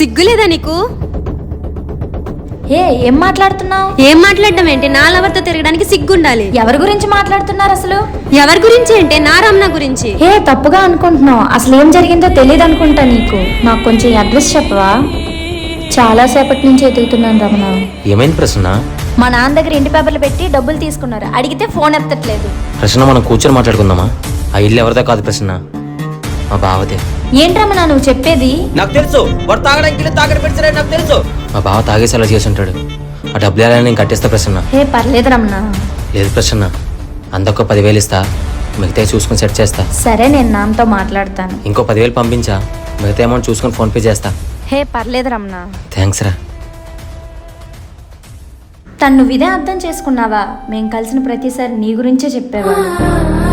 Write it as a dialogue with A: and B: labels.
A: సిగ్గులేదా నీకు?
B: ఏం మాట్లాడుతున్నావు?
A: ఏం మాట్లాడడం ఏంటి? నా లవర్తో తిరగడానికి సిగ్గుండాలి.
B: ఎవరి గురించి మాట్లాడుతున్నారు అసలు?
A: ఎవరి గురించి అంటే నా రమణ గురించి.
B: తప్పుగా అనుకుంటున్నావు. అసలు ఏం జరిగిందో తెలియదు అనుకుంటా నీకు. నాకు కొంచెం అడ్రస్ చెప్పవా? చాలా సేపటి నుంచి ఎదుగుతున్నాను రమణ.
C: ఏమైంది ప్రసన్న?
B: మా నాన్న దగ్గర ఇంటి పేపర్లు పెట్టి డబ్బులు తీసుకున్నారు. అడిగితే ఫోన్ ఎత్తట్లేదు.
C: ప్రసన్న, మనం కూర్చొని మాట్లాడుకుందామా? ఆ ఇల్లు ఎవరిదో కాదు ప్రసన్న, మా బావదే.
B: ఏంటి రమణ నువ్వు చెప్పేది?
C: నాకు తెలుసు, వాడు తాగడానికి తాగని పెట్టారని నాకు తెలుసు. మా బావ తాగేసి అలా చేసి ఉంటాడు. ఆ డబ్బులు ఎలా నేను కట్టేస్తా ప్రసన్న.
B: పర్లేదు రమణ.
C: లేదు ప్రసన్న, అందొక్క 10,000 ఇస్తా, మిగతా చూసుకుని సెట్ చేస్తా.
B: సరే, నేను నాన్నతో మాట్లాడతాను.
C: ఇంకో 10,000 పంపించా, మిగతా అమౌంట్ చూసుకుని ఫోన్ పే చేస్తా.
B: పర్లేదు రమణ.
C: థ్యాంక్స్ రా.
B: తను నువ్వు ఇదే అర్థం చేసుకున్నావా? మేం కలిసిన ప్రతిసారి నీ గురించే చెప్పేవాడు.